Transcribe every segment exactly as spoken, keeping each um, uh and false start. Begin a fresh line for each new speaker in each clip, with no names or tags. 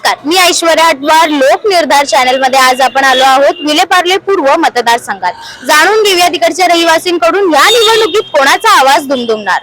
नमस्कार, मी ऐश्वर्या अडवार, लोक निर्धार चॅनल मध्ये आज आपण आलो आहोत विलेपार्ले पूर्व मतदारसंघात. जाणून घेऊया तिकडच्या रहिवासींकडून या निवडणुकीत कोणाचा आवाज दुमदुमणार.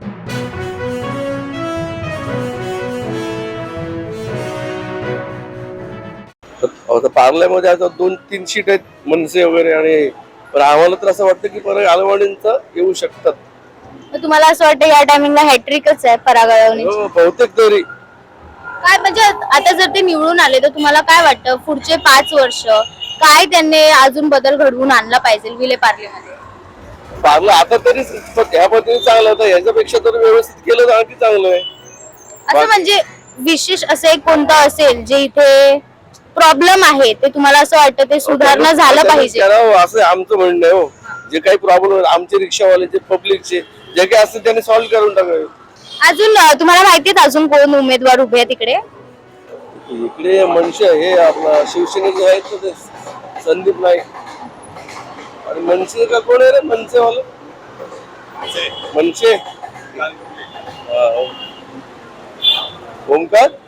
आता पार्ल्यामध्ये आता दोन तीन सीट आहेत मनसे वगैरे, आणि पण आम्हाला तर असं वाटतं की परत आलवाडींचं येऊ शकतात.
तर तुम्हाला असं वाटतं या टायमिंगला हॅट्रिकच आहे पराग अळवणीची?
हो, बहुतेक तरी.
काय म्हणजे आता जर ते निवडून आले तर तुम्हाला काय वाटतं पुढचे पाच वर्ष काय त्यांनी अजून बदल घडवून आणला पाहिजे विलेपार्लेमध्ये?
पार्लं आता तरी ह्या पद्धतीने चांगलं होतं, याच्यापेक्षा तर व्यवस्थित केलं तर आणखी चांगलं आहे.
असं म्हणजे विशेष असं एक कोणतं असेल जे इथे प्रॉब्लेम आहे ते तुम्हाला असं वाटतं ते सुधारणा झालं पाहिजे?
असं आमचं म्हणणं आहे. हो, जे काही प्रॉब्लेम आमचे रिक्षावाल्याचे, पब्लिकचे जे काही असतील त्यांनी सॉल्व्ह करून टाकावे.
अजून तुम्हाला माहिती आहे अजून कोण उमेदवार उभे आहेत तिकडे?
इकडे मनसे हे आपला शिवसेनेचे आहेत ना, ते संदीप नाईक. आणि मनसे का कोण आहे रे मनसे वाला? मनसे ओमकार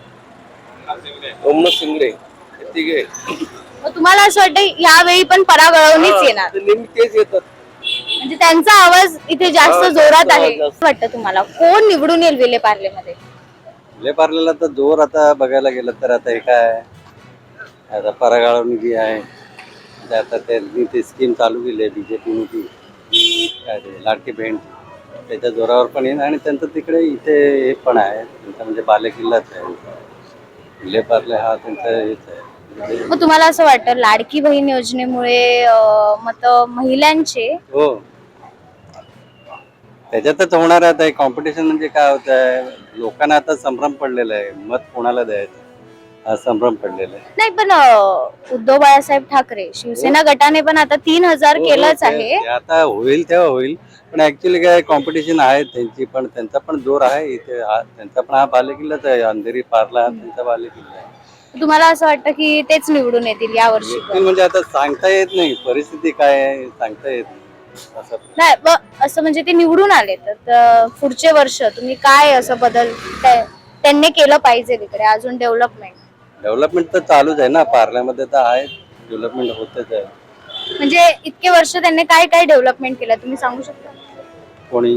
ओमनाथ शिंगडे, ठीक आहे.
मग तुम्हाला असं वाटतं यावेळी पण पराग अळवणीच येणार?
नेहमी तेच येतात,
म्हणजे त्यांचा आवाज इथे जास्त जोरात आहे वाटतं तुम्हाला? कोण निवडून येईल विलेपार्लेमध्ये?
विलेपार्लेला तर जोर आता बघायला गेलं तर आता हे काय आता पराग अळवणी जी आहे ते आता त्यांनी ती स्कीम चालू केली आहे बीजेपीने, ती काय ते लाडकी बहीण, त्याच्या जोरावर पण येईल. आणि त्यांचं तिकडे इथे हे पण आहे, त्यांचा म्हणजे बालेकिल्लाच आहे विलेपार्ले, हा त्यांचा हेच आहे.
मग तुम्हाला असं वाटतं लाडकी बहीण योजनेमुळे मत महिलांचे?
हो, त्याच्यातच होणार आहे. आता कॉम्पिटिशन म्हणजे काय होत आहे, लोकांना आता संभ्रम पडलेला आहे मत कोणाला द्यायचं हा संभ्रम पडलेला आहे.
नाही पण उद्धव बाळासाहेब ठाकरे शिवसेना गटाने पण आता तीन हजार केलंच आहे.
आता होईल तेव्हा होईल, पण ऍक्च्युली काय कॉम्पिटिशन आहे त्यांची, पण त्यांचा पण जोर आहे इथे. हा त्यांचा पण हा बालेकिल्लाच आहे, अंधेरी पार्ला हा त्यांचा बालेकिल्ला आहे.
तुम्हाला असं वाटतं की तेच निवडून येतील या वर्षी?
म्हणजे आता सांगता येत नाही, परिस्थिती काय आहे सांगता येत नाही असं
नाही. असं म्हणजे ते निवडून आले तर पुढचे वर्ष तुम्ही काय असं बदल त्यांनी केलं पाहिजे तिकडे अजून? डेव्हलपमेंट
डेव्हलपमेंट तर चालूच आहे ना, पार्ल्यामध्ये तर आहे डेव्हलपमेंट होतच आहे.
म्हणजे इतके वर्ष त्यांनी काय काय डेव्हलपमेंट केलं तुम्ही सांगू शकता?
कोणी?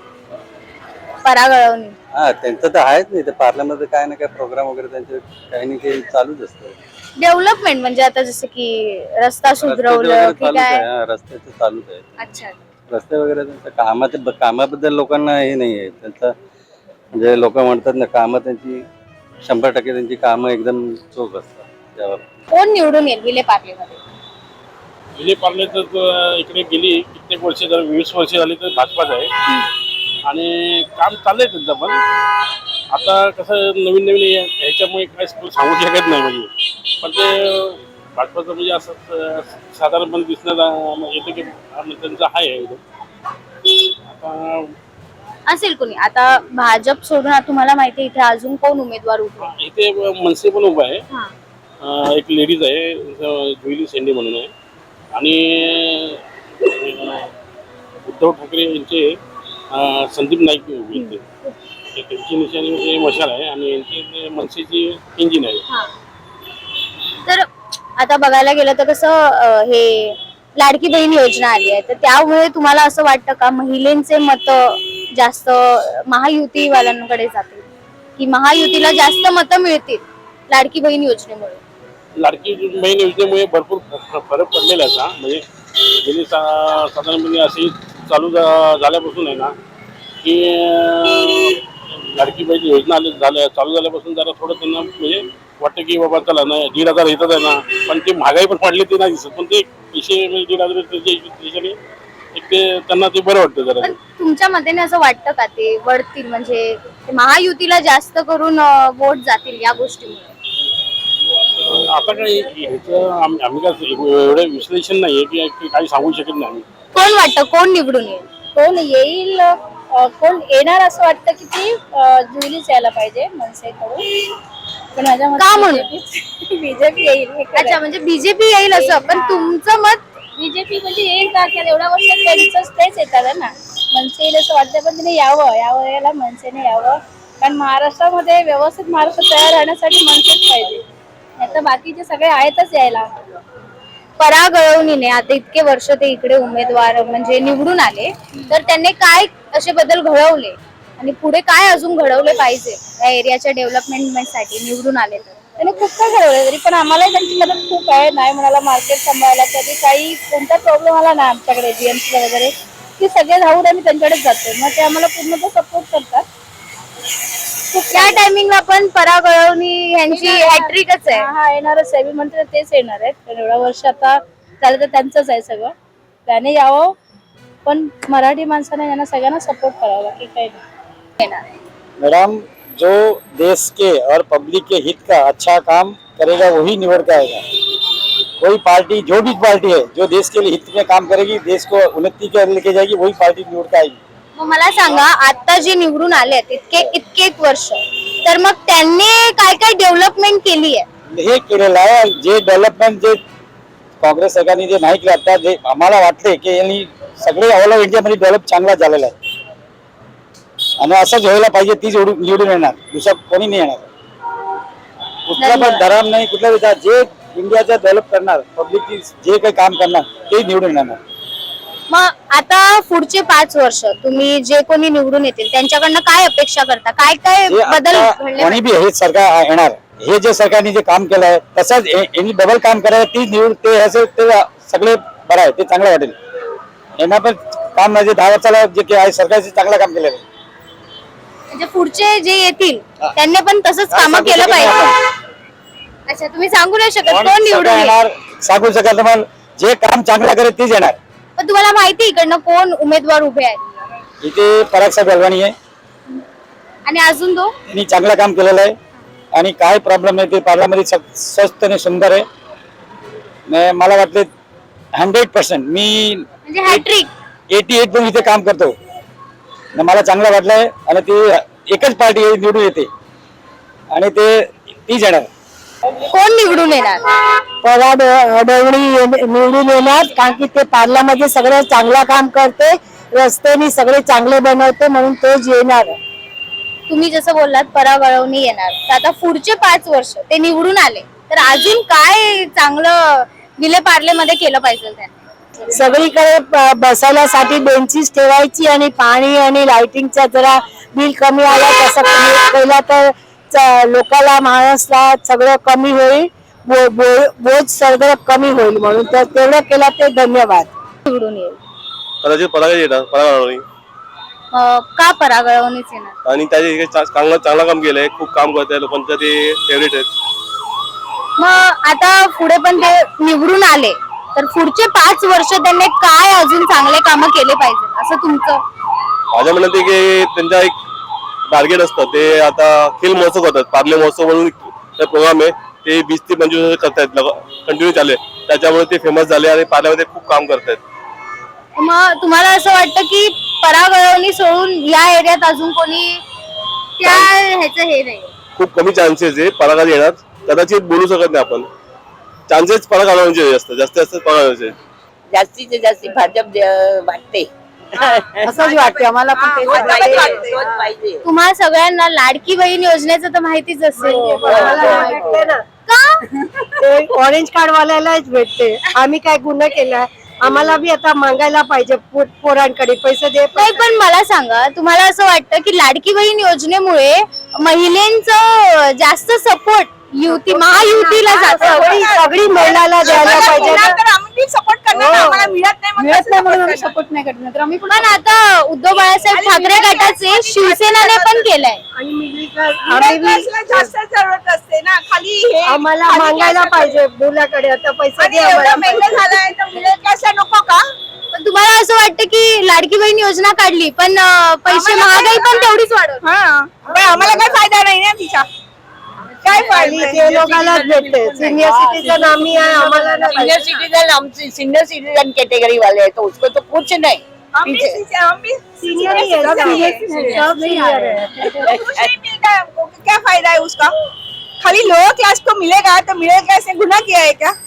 पराग अळवणी.
हा, त्यांचं तर आहेच नाही, तर पार्ल्यामध्ये काय ना काय प्रोग्राम वगैरे त्यांचे काही ना काही चालूच असतं.
डेव्हलपमेंट म्हणजे आता जसं की रस्ता सुधरवलं की काय?
रस्त्याचं चालूच आहे.
अच्छा,
रस्ते वगैरे त्यांचं कामाचे, कामाबद्दल लोकांना हे नाही आहे त्यांचं. म्हणजे लोक म्हणतात ना, कामं त्यांची शंभर टक्के त्यांची कामं एकदम चोख असतात. त्यावर
कोण निवडून येईल विलेपार्लेमध्ये?
विलेपार्ले तर इकडे गेली कित्येक वर्ष, जर वीस वर्ष झाली तर भाजपाच आहे. आणि काम चाललंय त्यांचं, पण आता कसं नवीन नवीन ह्याच्यामुळे काय सांगू शकत नाही म्हणजे. पण ते भाजपाचं म्हणजे असं साधारणपणे दिसण्यात येतं की त्यांचं आहे एकदम. आता
असेल कोणी आता भाजप सोडून तुम्हाला माहिती आहे इथे अजून कोण उमेदवार उभे?
इथे मनसे पण उभा आहे, एक लेडीज आहे जुईली शेंडे म्हणून आहे. आणि उद्धव ठाकरे यांचे संदीप नाईक उभे आहेत. त्यांची निशाणी म्हणजे मशाल आहे आणि यांची मनसेची इंजिन आहे.
तर आता बघायला गेलं तर कसं हे लाडकी बहीण योजना आली आहे, तर त्यामुळे तुम्हाला असं वाटतं का महिलांचे मत जास्त महायुती वाल्यांकडे जातील की महायुतीला जास्त मतं मिळतील लाडकी बहीण योजनेमुळे?
लाडकी बहीण योजनेमुळे भरपूर फरक पडलेला आहे. म्हणजे गेली साधारणपणे अशी चालू झाल्यापासून आहे ना की लाडकी बहीण योजना आली झाल्या चालू झाल्यापासून जरा थोडं त्यांना म्हणजे वाटतं की बाबा चला ना दीड हजार येतात आहे ना, पण ते महागाई पण वाढली ते नाही दिसत, पण ते पैसे म्हणजे दीड हजार त्याच्याने एक ते त्यांना ते बरं वाटतं जरा.
तुमच्या मतेने असं वाटतं का ते वळतील म्हणजे महायुतीला जास्त करून वोट जातील या गोष्टीमुळे?
आता काय ह्याचं आम्ही काय एवढं विश्लेषण नाहीये की काही सांगू शकत नाही.
कोण वाटतं कोण निवडून येईल?
कोण येईल, कोण येणार असं वाटतं की ती जुईलीच यायला पाहिजे मनसेकडून. पण माझ्या
का म्हणून?
बीजेपी येईल.
अच्छा, म्हणजे बीजेपी येईल असं. पण तुमचं मत?
बीजेपी म्हणजे येईल का, एवढ्या वर्षात त्यांचंच तेच येतात ना. मनसे येईल असं वाटतं, पण तिने यावं यावं याला मनसेने यावं. कारण महाराष्ट्रामध्ये व्यवस्थित महाराष्ट्र तयार राहण्यासाठी मनसेच पाहिजे, नाही तर बाकीचे सगळे आहेतच यायला.
परागळवणीने आता इतके वर्ष ते इकडे उमेदवार म्हणजे निवडून आले, तर त्यांनी काय असे बदल घडवले आणि पुढे काय अजून घडवले पाहिजे या एरियाच्या डेव्हलपमेंट साठी निवडून आले तर?
त्यांनी खूप काय घडवलं, तरी पण आम्हालाही त्यांची मदत खूप आहे. नाही म्हणाला मार्केट सांभाळायला कधी काही कोणता प्रॉब्लेम आला ना आमच्याकडे जीएमसी वगैरे की सगळे धावून आम्ही त्यांच्याकडेच जातो, मग ते आम्हाला पूर्ण सपोर्ट करतात.
त्या टायमिंगला पण परागळवणी यांची हॅट्रिकच आहे.
हा येणारच आहे, मी म्हणते ना तेच येणार आहेत. कारण एवढ्या वर्ष आता झालं तर त्यांचंच आहे सगळं, त्याने यावं. पण मराठी माणसाने यांना सगळ्यांना सपोर्ट करावा, की काही नाही.
मैडम, जो देश के और पब्लिक के हित का अच्छा काम करेगा वही निवड़ के आएगा. कोई पार्टी, जो भी पार्टी है जो देश के लिए हित में काम करेगी, देश को उन्नति के लेके जाएगी, वही पार्टी निवड़ के आएगी.
मग मला सांगा, आता जे निवडून आले इतके इतके वर्ष, तर मग त्यांनी काय काय डेव्हलपमेंट केली आहे?
हे केलेलं आहे. जे डेव्हलपमेंट जे काँग्रेस सरकारने जे नाही केलं, आता जे आम्हाला वाटले की यांनी सगळे ऑल ओव्हर इंडियामध्ये डेव्हलप चांगला झालेला आहे आणि असंच व्हायला पाहिजे. तीच निवडून येणार, दुसरा कोणी नाही येणार. कुठला पण धर्म नाही, कुठला विचार, जे इंडियाचा डेव्हलप करणार, पब्लिक जे काही काम करणार ते निवडून येणार.
मग आता पुढचे पाच वर्ष तुम्ही जे कोणी निवडून येतील त्यांच्याकडनं काय अपेक्षा करता? काय काय
जे
बदल
आता
घडले
कोणी बी हे सरकार येणार, हे जे सरकारने जे काम केलं आहे तसंच यांनी डबल काम करायचं. ती निवड ते असं ते सगळे बरं आहे, ते चांगलं वाटेल. यांना पण काम म्हणजे दहा वर्षाला जे काही आहे सरकारचे चांगलं काम केलेलं आहे.
म्हणजे पुढचे जे येतील त्यांनी पण तसंच काम केलं पाहिजे. अच्छा, तुम्ही सांगू नाही शकत कोण निवडून येईल?
येणार सांगू शकत नाही, जे काम चांगलं करेल तेच येणार.
पण तुम्हाला माहिती इकडनं कोण उमेदवार उभे आहेत?
इथे पराग साहेब अलवाणी आहे,
आणि अजून तो
त्यांनी चांगलं काम केलेलं आहे आणि काय प्रॉब्लेम नाही ते पार्लमेंटमध्ये स्वस्त आणि सुंदर आहे. न मला वाटले हंड्रेड पर्सेंट मी
म्हणजे हॅट्रिक
एटी एट पण इथे काम करतो न मला चांगलं वाटलंय आणि ती एकच पार्टी निवडून येते आणि ते तीच येणार.
कोण निवडून येणार?
पराग अडवणी निवडून येणार, कारण की ते पार्लामध्ये सगळं चांगलं काम करते, रस्त्यानी सगळे चांगले बनवते, म्हणून तोच येणार.
तुम्ही जसं बोललात परागळवणी येणार, तर आता पुढचे पाच वर्ष ते निवडून आले तर अजून काय चांगलं विले पार्लेमध्ये केलं पाहिजे त्यांनी?
सगळीकडे ब- बसायलासाठी बेंचीस ठेवायची आणि पाणी आणि लाइटिंगचा जरा बिल कमी आला तसं कमी केला तर च- लोकांना महाराष्ट्राला सगळं कमी होईल, बो- बो- बोज सगळं कमी होईल, म्हणून तर तेवढं केलं ते धन्यवाद.
निवडून येईल.
कदाचित पराग येणार, पराग
अं, का परागळवणीच येणार?
आणि त्याचे चांगलं चांगलं काम केलंय, खूप काम करत आहे, लोकांचं ते फेवरेट आहेत.
मग आता पुढे पण ते निवडून आले तर पुढचे पाच वर्ष त्यांनी काय अजून चांगले कामं केले पाहिजे असं तुमचं?
माझ्या म्हणत आहे की त्यांचा एक टार्गेट असतं, ते आता खेल महोत्सव करतात, पार्ले महोत्सव म्हणून प्रोग्राम आहे, ते वीस ते पंचवीस वर्ष करतायत, कंटिन्यू चालले, त्याच्यामुळे ते फेमस झाले आणि पार्ल्यामध्ये खूप काम करतायत.
मग तुम्हाला असं वाटतं की परागळवणी सोडून या एरियात अजून कोणी त्या ह्याचं हे नाही?
खूप कमी चान्सेस आहे परागात येणार, कदाचित बोलू शकत नाही आपण. चान्सेस पराग आढळण्याचे जास्त जास्तीत जास्त पराग आढळण्याचे.
जास्तीत जास्त भाजप जे- वाटते
असंच वाटतं आम्हाला पण तेच वाटते.
तोच पाहिजे.
तुम्हाला सगळ्यांना लाडकी बहीण योजनेचं तर माहितीच असेल.
भेटते ना, ते ऑरेंज कार्ड वाल्यालाच भेटते. आम्ही काय गुन्हा केलाय? आम्हाला बी आता मागायला पाहिजे पो- पोरांकडे पैसे दे.
नाही, पण मला सांगा, तुम्हाला असं वाटतं की लाडकी बहीण योजनेमुळे महिलांचं जास्त सपोर्ट युती महायुतीला जातं?
सगळी सगळी महिलाला द्यायला पाहिजे ना.
सपोर्ट करणार आम्हाला मिळत नाही, मिळत नाही म्हणून आम्ही सपोर्ट नाही करणार, तर आम्ही
पण आता उद्धव बाळासाहेब ठाकरे गटाचे शिवसेनाने पण केलंय.
आणि मिडल क्लास आम्ही बी
जास्त जरूरत असते ना, खाली हे
आम्हाला मागायला पाहिजे मुलाकडे आता पैसे दे आम्हाला.
झालाय तर मिळेल कसं नको का?
पण तुम्हाला असं वाटतं की लाडकी बहीण योजना काढली पण अं, पैसे महागाई पण तेवढीच वाढवली?
हा, पण आम्हाला काय फायदा नाही ना तिचा. काय
आणि ते लोकांनाच भेटते. सिनियर सिटीजन आम्ही आहे, आम्हाला नाही
सीनियर
पाहिजे.
सिटीजन हमसे सीनियर सिटीजन कैटेगरी वाले हैं तो उसको तो कुछ नहीं. पीछे
सिनियर ही है, सब सब सिनियर है.
क्या फायदा है उसका? खाली लोअर क्लास को मिलेगा तो मिडिल क्लास ने गुनाह किया है क्या?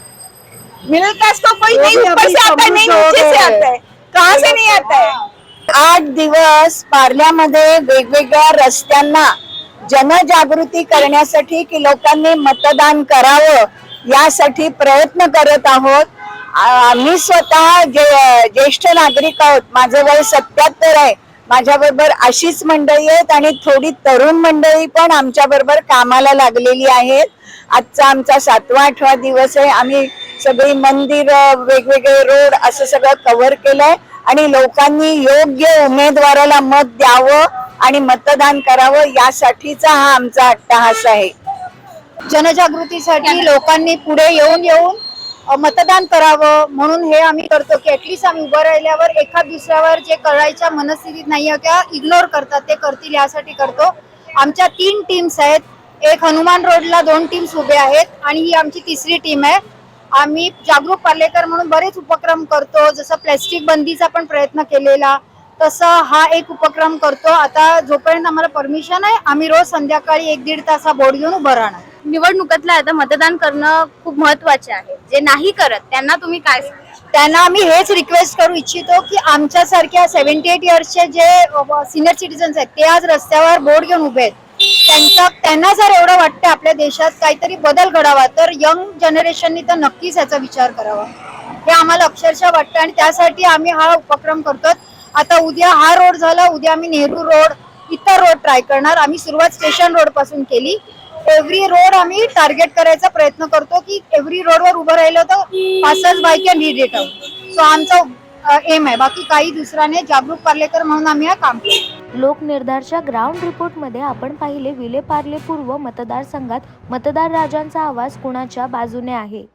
मिडिल क्लास को कोई नहीं ऊपर से आता है, नहीं नीचे से आता है. कहाँ से नहीं आता है?
आठ दिवस पार्ल्यामध्ये वेगवेगळ्या रस्त्यांना जनजागृती करण्यासाठी की लोकांनी मतदान करावं यासाठी प्रयत्न करत आहोत. आम्ही स्वतः जे ज्येष्ठ नागरिक आहोत. माझं वय सत्याहत्तर आहे. माझ्या बरोबर अशीच मंडळी आहेत आणि थोडी तरुण मंडळी पण आमच्या बरोबर कामाला लागलेली आहेत. आजचा आमचा सातवा आठवा दिवस आहे. आम्ही सगळी मंदिर, वेगवेगळे रोड असं सगळं कव्हर केलंय आणि लोकांनी योग्य उमेदवाराला मत द्यावं आणि मतदान करावं यासाठीचा हा आमचा अट्टाहास आहे.
जनजागृतीसाठी लोकांनी पुढे येऊन येऊन अ, मतदान करावं म्हणून हे आम्ही करतो की ऍटलीस्ट आम्ही उभं राहिल्यावर एका दुसऱ्यावर जे करायच्या मनस्थितीत नाही आहे किंवा इग्नोर करतात ते करतील यासाठी करतो. आमच्या तीन टीम्स आहेत. एक हनुमान रोडला दोन टीम्स उभे आहेत आणि ही आमची तिसरी टीम आहे. आम्ही जागरूक पार्लेकर म्हणून बरेच उपक्रम करतो. जसं प्लॅस्टिक बंदीचा पण प्रयत्न केलेला, तसं हा एक उपक्रम करतो. आता जोपर्यंत आम्हाला परमिशन आहे आम्ही रोज संध्याकाळी एक दीड तास हा बोर्ड घेऊन उभं राहणार.
निवडणुकीतलं आता मतदान करणं खूप महत्वाचे आहे. जे नाही करत त्यांना तुम्ही काय सांगाल?
त्यांना आम्ही हेच रिक्वेस्ट करू इच्छितो की आमच्यासारख्या सेव्हन्टी एट इयर्सचे जे सिनियर सिटीजन्स आहेत ते आज रस्त्यावर बोर्ड घेऊन उभे आहेत. त्यांचा त्यांना जर एवढं वाटतं आपल्या देशात काहीतरी बदल घडावा तर यंग जनरेशननी तर नक्कीच याचा विचार करावा हे आम्हाला अक्षरशः वाटतं आणि त्यासाठी आम्ही हा उपक्रम करतो. आता उद्या हा रोड झाला, उद्या आम्ही नेहरू रोड, इतर रोड ट्राय करणार. आम्ही सुरुवात स्टेशन रोड पासून केली. एव्हरी रोड आम्ही टार्गेट करायचा प्रयत्न करतो की एव्हरी रोडवर उभं राहिलं तर पासच by can read it out. So आमचा एम आहे. बाकी काही दुसरा नाही. जागरूक पार्लेकर म्हणून आम्ही हा काम करतो.
लोकनिर्धारच्या ग्राउंड रिपोर्टमध्ये आपण पाहिले विलेपार्ले पूर्व मतदारसंघात मतदार राजांचा आवाज कुणाच्या बाजूने आहे.